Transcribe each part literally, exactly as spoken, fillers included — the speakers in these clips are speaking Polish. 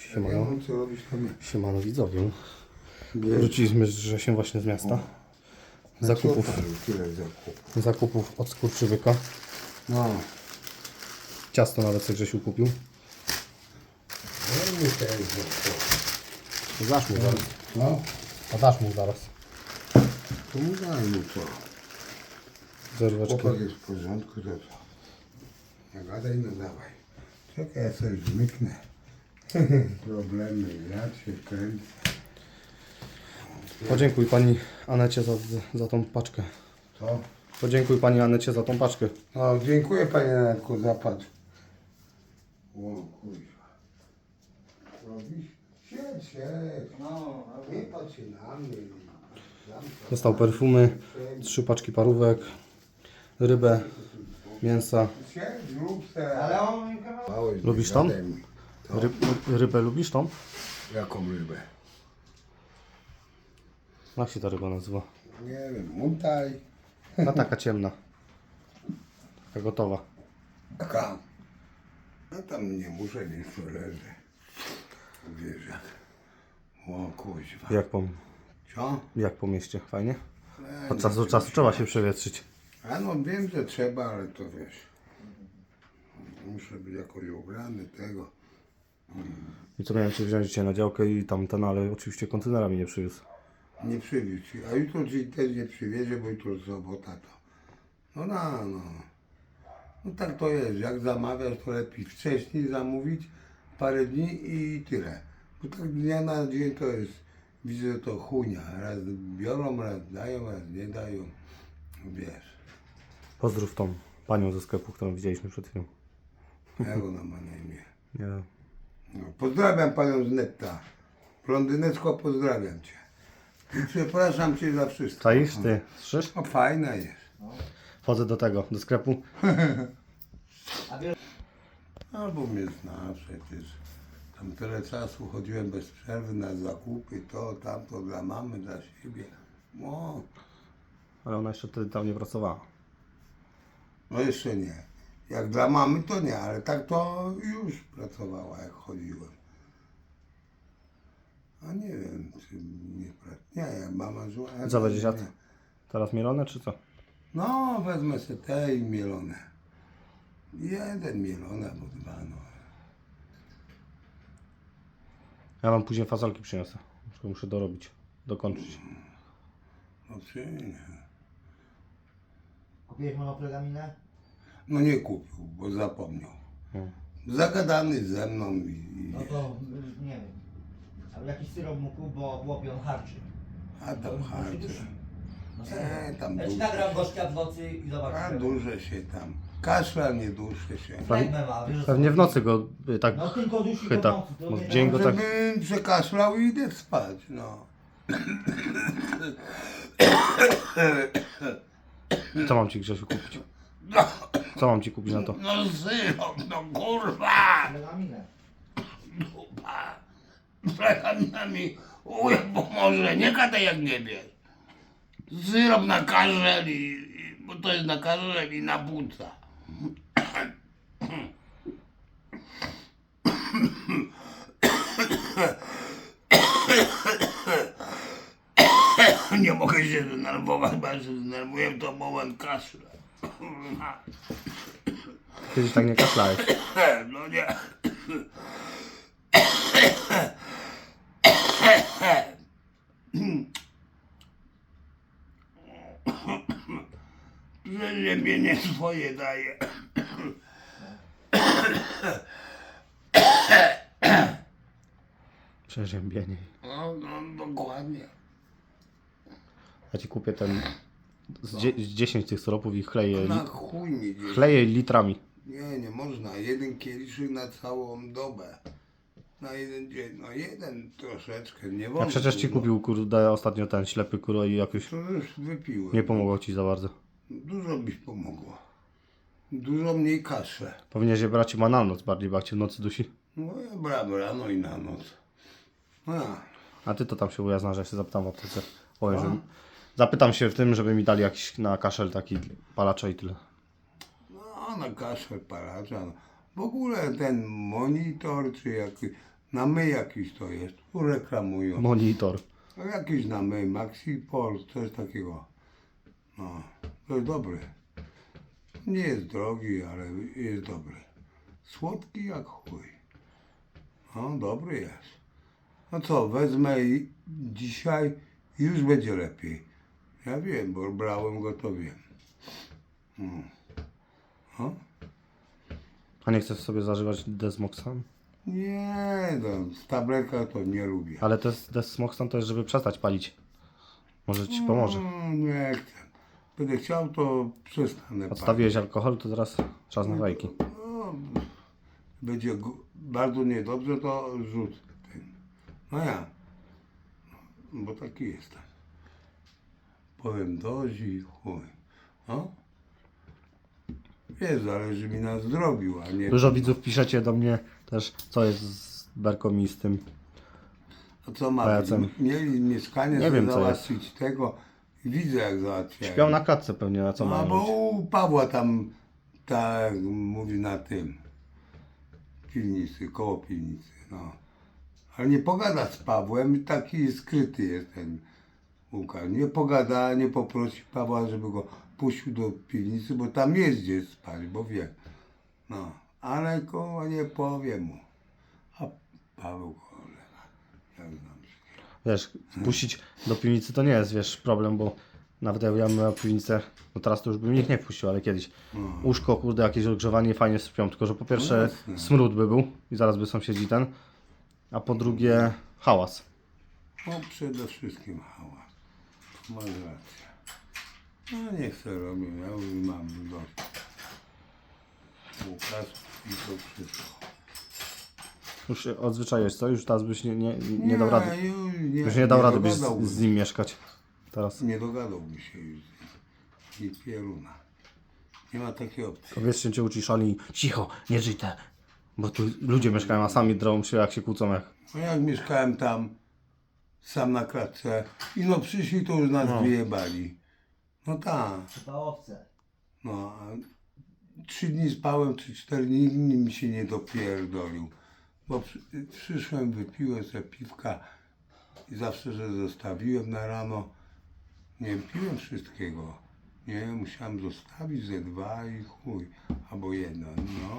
Siemano, Ja mam co robić tam. siemano widzowie. Wiesz, Wróciliśmy że się właśnie z miasta. Zakupów, co tam, tyle zakupów. zakupów od skurczybyka. No. Ciasto nawet sobie Grzesiu kupił. No i też zakupów. Dasz mu zaraz. No, A dasz mu zaraz. to mu daj mu co. Zerweczkę. Chłopak jest w porządku, to co? Nie gadaj, no dawaj. Czekaj, ja coś zmyknę. Problemy, ja się kręcę. Podziękuj pani Anecie za, za tą paczkę. Co? Podziękuj pani Anecie za tą paczkę. No, dziękuję panie Nanku za patrz. O kurwa. Robisz? Siedź, siedź. No, nie patrz się na mnie. Dostał perfumy, trzy paczki parówek, rybę, mięsa. Siedź, rób se. Ale on Małeś, Lubisz tą? gadaj mi. To. Ry, rybę lubisz tą? Jaką rybę? Jak się ta ryba nazywa? Nie wiem, muntaj. No taka ciemna. Taka gotowa. Taka. No tam nie muszę, niech to leży. Wiesz jak. O kuźwa. Jak po, Co? jak po mieście, fajnie? E, Od czasu do czasu trzeba się przewietrzyć. A no wiem, że trzeba, ale to wiesz. Muszę być jakoś ubrany tego. I co miałem cię wziąć dzisiaj na działkę i tamten, ale oczywiście kontenera mi nie przywiózł. Nie przywiózł ci. A jutro ci też nie przywiezie, bo jutro sobota to. No no, no. No tak to jest. Jak zamawiasz, to lepiej wcześniej zamówić parę dni i tyle. Bo tak dnia na dzień to jest, widzę, że to chunia. Raz biorą, raz dają, raz nie dają. Wiesz. Pozdrów tą panią ze sklepu, którą widzieliśmy przed chwilą. Jak ona ma na imię? Nie. No, pozdrawiam panią z netta. Blondyneczko, pozdrawiam cię. I przepraszam cię za wszystko. Czaisz ty? Słyszysz? No fajna jest. Wchodzę do tego, do sklepu. Albo mnie zna przecież. Tam tyle czasu chodziłem bez przerwy na zakupy, to, tamto dla mamy, dla siebie. No, Ale ona jeszcze wtedy tam nie pracowała. no jeszcze nie. Jak dla mamy to nie, ale tak to już pracowała jak chodziłem. A nie wiem, czy nie pracowała. Nie, jak mama żyła. ja Co to będziesz jadł? nie. Teraz mielone czy co? No, wezmę sobie te i mielone. Jeden mielone albo dwa, no. Ja wam później fasolki przyniosę. Tylko muszę dorobić, dokończyć. No czy nie. kupiłeś monoplagaminę? No nie kupił, bo zapomniał. No. Zagadany ze mną i... No to y, nie wiem. Ale jakiś syrop mu kup, bo chłopie on harczy. A tam harczy. No Nie, serio. tam Ja ci duże. nagram gościa w nocy i A zobaczysz. duże się tam. Kaszla nie duszę się. Flegmę ma, wiesz, o co Pewnie w chodzi? nocy go y, tak No tylko dusi chyta. go w nocy, to Bo nie w dzień go tak... Żebym przekaszlał i idę spać, no. Co mam ci Grzesiu kupić? Co mam ci kupić na to? No syrop, no kurwa! Plagaminę. Dupa! Plecami mi uje pomoże, nie gadaj jak nie wiesz. Syrop na kaszel i, i... bo to jest na kaszel i na płuca. Nie mogę się zdenerwować, bo jak się zdenerwuję, to moment kaszle. Kiedyś tak nie kaszlałeś. No nie. Przeziębienie swoje daje. Przeziębienie. No, no dokładnie. Ja ci kupię ten z, dzie z dziesięć tych syropów i chleję, Na li chuj mi gdzieś. chleję litrami. Nie, nie można. Jeden kieliszek na całą dobę. Na jeden dzień. No jeden troszeczkę, nie wolno. Ja przecież ci dużo. kupił kurde ostatnio ten ślepy kurwa i jakoś To już wypiłem. nie pomogło ci za bardzo. Dużo mi pomogło. Dużo mniej kaszę. Powinieneś je brać chyba na noc bardziej, bo jak cię w nocy dusi. No ja brałem rano i na noc. A, A ty to tam się ujazna, że ja się zapytam w aptece. Powiem, że... Zapytam się w tym, żeby mi dali jakiś na kaszel taki palacza i tyle. no na kaszel palacza. No. W ogóle ten monitor, czy jak Na my jakiś to jest, tu reklamują. Monitor. No jakiś na my, Maxi Pol, coś takiego. No, to jest dobry. Nie jest drogi, ale jest dobry. Słodki jak chuj. No, dobry jest. No co, wezmę i dzisiaj i już będzie lepiej. Ja wiem, bo brałem go, to wiem. Mm. No. A nie chcesz sobie zażywać Desmoxan? Nie, no, z tabletka to nie lubię. Ale to jest Desmoxan to jest, żeby przestać palić. Może ci pomoże. Mm, nie chcę. Będę chciał, to przestanę. Odstawiłeś alkohol, to teraz czas na fajki. No, będzie gu- bardzo niedobrze, to rzuć ten. No ja. No, bo taki jestem. Powiem dość i chuj. No. Wiesz, zależy mi na zdrowiu, a nie... Dużo widzów piszecie do mnie też, co jest z Berką i z tym. A co ma pajacem. być? Mieli mieszkanie Nie sobie wiem, co załatwić tego i widzę jak załatwiają. Śpiał na klatce pewnie, na co No, mają bo być. u Pawła tam, tak mówi na tym, piwnicy, koło piwnicy, no. Ale nie pogada z Pawłem, taki skryty jest ten Łukasz. Nie pogada, nie poprosi Pawła, żeby go puścił do piwnicy, bo tam jest gdzie spać, bo wie. No, ale koło nie powie mu. A Paweł go lewa, jak znam się. Wiesz, wpuścić do piwnicy to nie jest, wiesz, problem, bo nawet jak ja miałem piwnicę, no teraz to już bym ich nie wpuścił, ale kiedyś. Łóżko, kurde, jakieś ogrzewanie, fajnie sypią, tylko że po pierwsze No jasne. smród by był i zaraz by sąsiedzi ten, a po drugie hałas. No przede wszystkim hałas. Masz rację. No nie chcę robić, ja już mam dość. Łukasz i to wszystko. Już się odzwyczaiłeś, co? Już teraz byś nie, nie, nie dał rady. Już nie, Już nie dał rady byś dogadałbym. z, z nim mieszkać. Teraz. Nie dogadałby się już z nim. I pieruna. Nie ma takiej opcji. To wiesz, się cię uciszali. Cicho, nie żyj te. Bo tu ludzie mieszkają, a sami drą się jak się kłócą jak. No jak mieszkałem tam, sam na klatce, i no przyszli, to już nas No. wyjebali. No tak. Chyba owce. No, a trzy dni spałem, czy cztery dni, nikt mi się nie dopierdolił. Bo przy, przyszłem, wypiłem sobie piwka i zawsze, że zostawiłem na rano, nie piłem wszystkiego. Nie, musiałem zostawić ze dwa i chuj, albo jedno, no.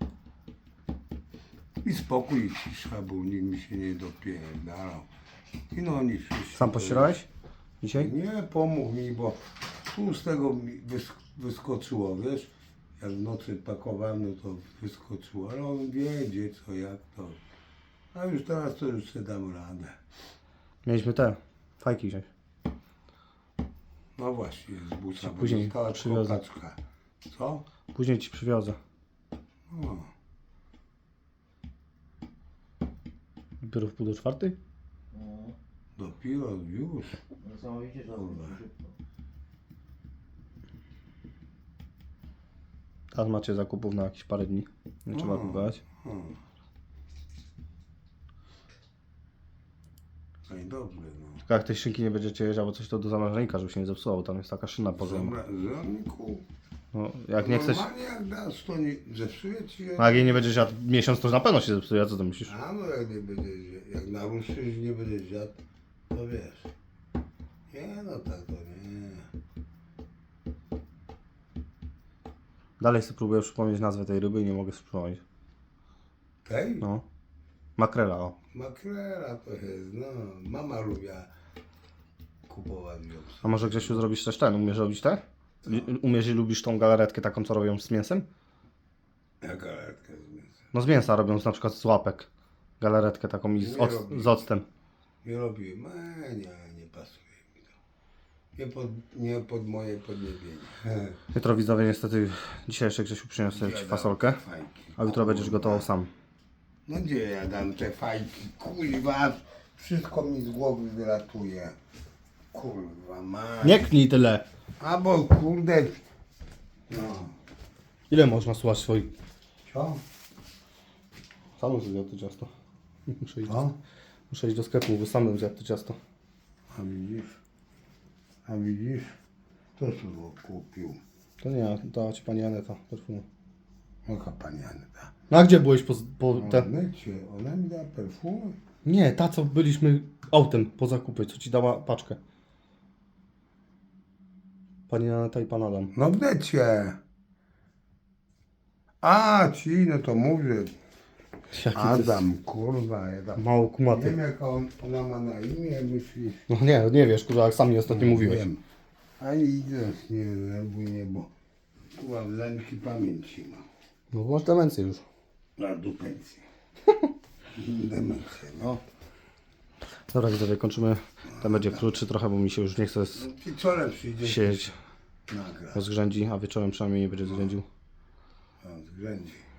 I spokój i cisza, bo nikt mi się nie dopierdalał. I no oni wszyscy... Sam pościerałeś? Dzisiaj? Nie, pomógł mi, bo tu z tego mi wys- wyskoczyło, wiesz, jak w nocy pakowałem, no to wyskoczyło, ale on wie, gdzie, co, jak to. A już teraz to już sobie dam radę. Mieliśmy te fajki wziąć. No właśnie, z busa, bo później została przywiozę. kokaczka. Co? Później ci przywiozę. No, Dopiero w pół do czwartej? No, dopiero już. niesamowicie to Kurwa. szybko. Teraz macie zakupów na jakieś parę dni. Nie trzeba Mm. kupować. O. No i dobrze, no. Tylko jak tej szynki nie będziecie jeść albo coś, to do zamrażalnika, żeby się nie zepsuło, bo tam jest taka szyna porządna. Zamra- Zamku. No, jak nie chcesz, Normalnie jak dasz, to nie zepsuje ci się. no jak jej nie będziesz jadł miesiąc, to na pewno się zepsuje, a co ty myślisz? A no jak nie będziesz, jak naruszysz, nie będziesz jadł, to wiesz. Nie no tak to nie. Dalej sobie próbuję przypomnieć nazwę tej ryby i nie mogę sobie przypomnieć. Tej? No. Makrela, o. Makrela to jest, no. Mama lubiła kupować ją. A może Grzesiu zrobisz też ten? Umiesz robić te? I- Umiesz i lubisz tą galaretkę taką, co robią z mięsem? Jak galetkę z mięsem. No z mięsa robią na przykład z łapek. Galaretkę taką i z, Nie oc robię. z octem. Nie robiłem, e, nie, nie pasuje mi to. Nie pod, nie pod moje podniebienie. Jutro widzowie niestety, dzisiaj jeszcze Grzesiu przyniósł sobie ci fasolkę, Fajki. a jutro będziesz gotował sam. No gdzie ja dam te fajki? Kurwa, wszystko mi z głowy wylatuje. Kurwa, ma. Nie knij tyle! Albo kurde. No. Ile można słuchać swoich? Co? Sam bym zjadł to ciasto. Muszę iść, Co? muszę iść do sklepu, bo sam bym zjadł to ciasto. A widzisz? A widzisz? To co go kupił? To nie, dała ci pani Aneta perfumu. Oka pani Aneta. No a gdzie byłeś po, po te... Ona cię, ona mi da perfumę. Nie, ta co byliśmy autem po zakupy, co ci dała paczkę. Pani Aneta i pan Adam. No gdecie. A, ci, no to mówię. Jaki to jest Adam, kurwa, ja tam... mało Nie kumaty. wiem jak on, ona ma na imię, myślisz? No nie, nie wiesz, kurwa, jak sam mi ostatnio mówiłeś. Wiem. Ani idę, nie denerwuj mnie, bo kurwa wzęki pamięci ma. No masz demencję już. Na dupencję. Demencję, no. Dobra, widzowie, kończymy. Ten będzie krótszy trochę, bo mi się już nie chce z- Wieczorem przyjdzie siedzieć. nagra. Rozgrzędzi, a wieczorem przynajmniej nie będzie zgrzędził. No, zgrędzi.